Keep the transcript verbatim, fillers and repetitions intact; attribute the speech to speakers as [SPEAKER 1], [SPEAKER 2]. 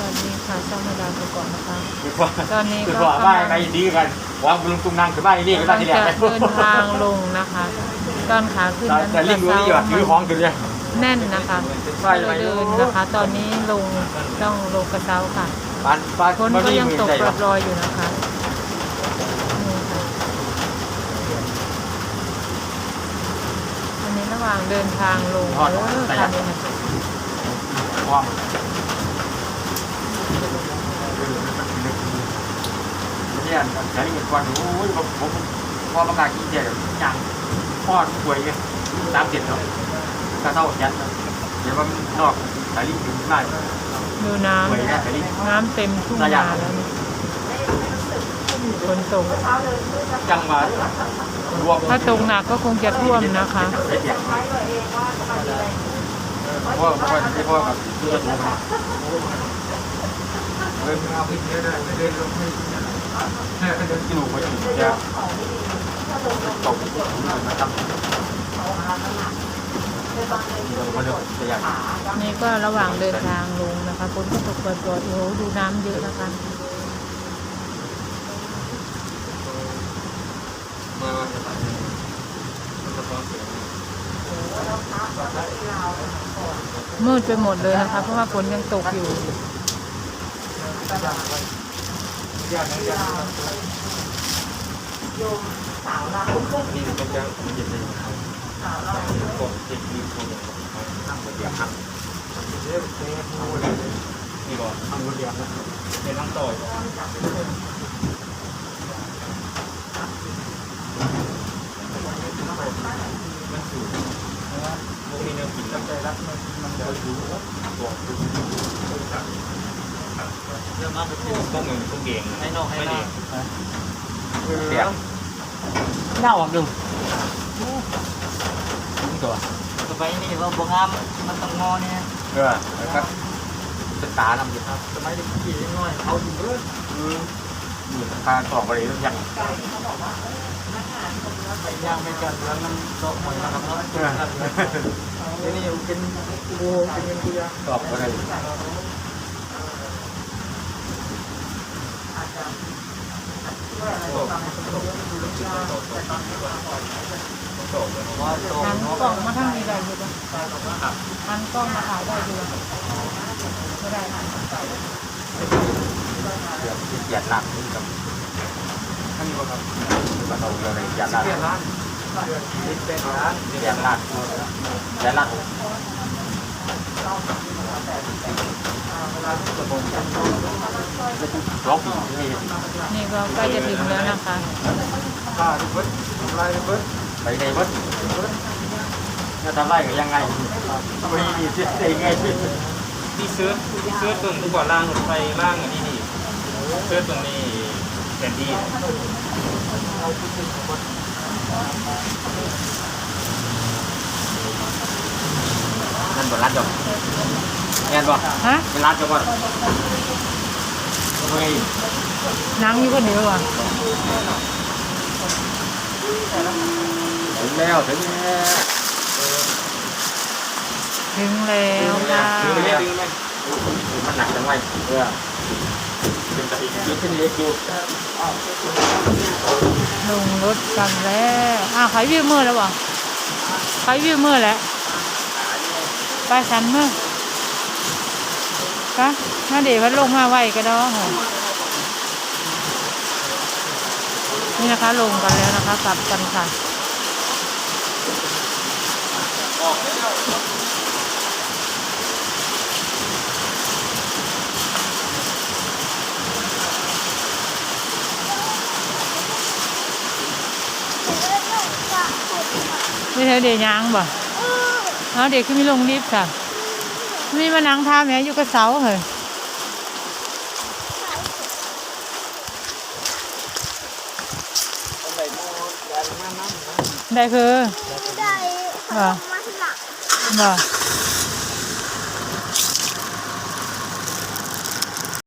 [SPEAKER 1] วัสดีค่ะช่องมาดามไปก่อนนะคะ
[SPEAKER 2] คือว่า
[SPEAKER 1] ตอนนี้
[SPEAKER 2] คือ
[SPEAKER 1] ก็
[SPEAKER 2] ว่าก
[SPEAKER 1] ำ
[SPEAKER 2] บ้า
[SPEAKER 1] ลั
[SPEAKER 2] น
[SPEAKER 1] ง
[SPEAKER 2] ไปดีกันวางลุงตุ้งนั่งคือบ้านนี่คือบ้าน
[SPEAKER 1] กำลัง
[SPEAKER 2] ที่แหล
[SPEAKER 1] จะ
[SPEAKER 2] ก
[SPEAKER 1] เดินทางลงนะคะตอนขาขึ้นนั้น
[SPEAKER 2] แต่ลิงรู้นี่ว่าถือของกันเนี่ย
[SPEAKER 1] แน่นนะคะก็เลยเดินนะคะ ตอนนี้ลงต้องลงกระเช้าค่ะ
[SPEAKER 2] บ้านบ้าน
[SPEAKER 1] ฝนก็ยังตกปรอยๆอยู่นะคะนี่ค่ะอันนี้ระหว่างเดินทางลงเออคันนี้นะ
[SPEAKER 2] ว่างเนี่ยใช้เงินกวนโอ้ยผมผมพอประกาศกินเดียวอย่างพ่อป่วยไงตามเจ็ดเนาะกระเท่ายัดเดี๋ยวมันนอกสายลิ้นถึงมาก
[SPEAKER 1] ดูน้ำน้ำเต็มทุ่งนาแล้วนี่ฝนตก
[SPEAKER 2] จังมารวม
[SPEAKER 1] ถ้าตกหนักก็คงจะท่วมนะคะ
[SPEAKER 2] ไอ้เดียกเพราะเพราะที่พ่อกับที่จะถูกเดินเอาไปเยอะเลยเดินลงให้เดินกิโลก็จะจะตกมาทำ
[SPEAKER 1] นี่ก็ระหว่างเดินทางลงนะคะฝนก็ตกปรอยๆโอ้โหดูน้ำเยอะนะคะมืดไปหมดเลยนะคะเพราะว่าฝนยังตกอยู่
[SPEAKER 2] นี่เป็นการเย็นเลยก็เย็นดีคนทำบทเรียนครับนี่ก็ทำบทเรียนนะเป็นนั่งต่อยมันสูงนะโมมีเนื้อกินแล้วใจรักมันมันจะรู้บอกเรื่องมากก็คือพวกมึงพวกเก่งให้นอกให้นอกเสียงเน่าอ่ะดึงตัวสบายนี่ว่าบวงามมันต้องงอเนี่ยเออครับเป็นตาทำอยู่ครับสมัยเด็กขี่น้อยเขาอยู่เลยคืออยู่ทางสองบริเวณยังย่างไม่กันแล้วมันโตหมดแล้วครับทีนี้เป็นโบเป็นเงินกุยตอบอะไร
[SPEAKER 1] หันกล้องมาทางนี้ได้อยู่ปะหันกล้องมาถ่ายได้อยู่ไม่ได้
[SPEAKER 2] เดี๋ยวเหยียดหนักนี่ครับท่านนี้ครับมาเอาเลยเหยียดหนักเหยียดหนักเหยียดหนักเหยียดหนักร้องผีนี่
[SPEAKER 1] นี่ก็ใกล้จะถึงแล้วนะคะ
[SPEAKER 2] ไปในวัดจะทำไรกันยังไงทำไมมีเสียใจไงที่เสื้อเสื้อตุ่มก่อนล่างรถไฟล่างอันนี้นี่เสื้อตรงนี้แผนที่นั่นบนร้านจบเงี้ยบ่ฮะเป็นร้านจบบ่ทำไม
[SPEAKER 1] นั่งอยู่ก็เหนื่อยว่ะ
[SPEAKER 2] ถึงแล้วถึงแล้ว
[SPEAKER 1] ถึงแล้วค่ะ
[SPEAKER 2] ถึงแล้วถึงแล้วมันหนักจังไงเออเป็นตะอีกคือเป็นเล็กอยู่
[SPEAKER 1] ลงรถกันแล้วอ้าวใครวิวมือแล้ววะใครวิวมือแล้วไปสันมือปะน่าเดี๋ยวพัดลงมาไวก็ได้เหรอนี่นะคะลงกันแล้วนะคะกลับกันค่ะนี่เธอเดี๋ยวยังบ่เอาเด็กขึ้นไม่ลงรีบค่ะนี่มานั่งท่าแม่อยู่กับเสาเหรอได้คือบ่บ่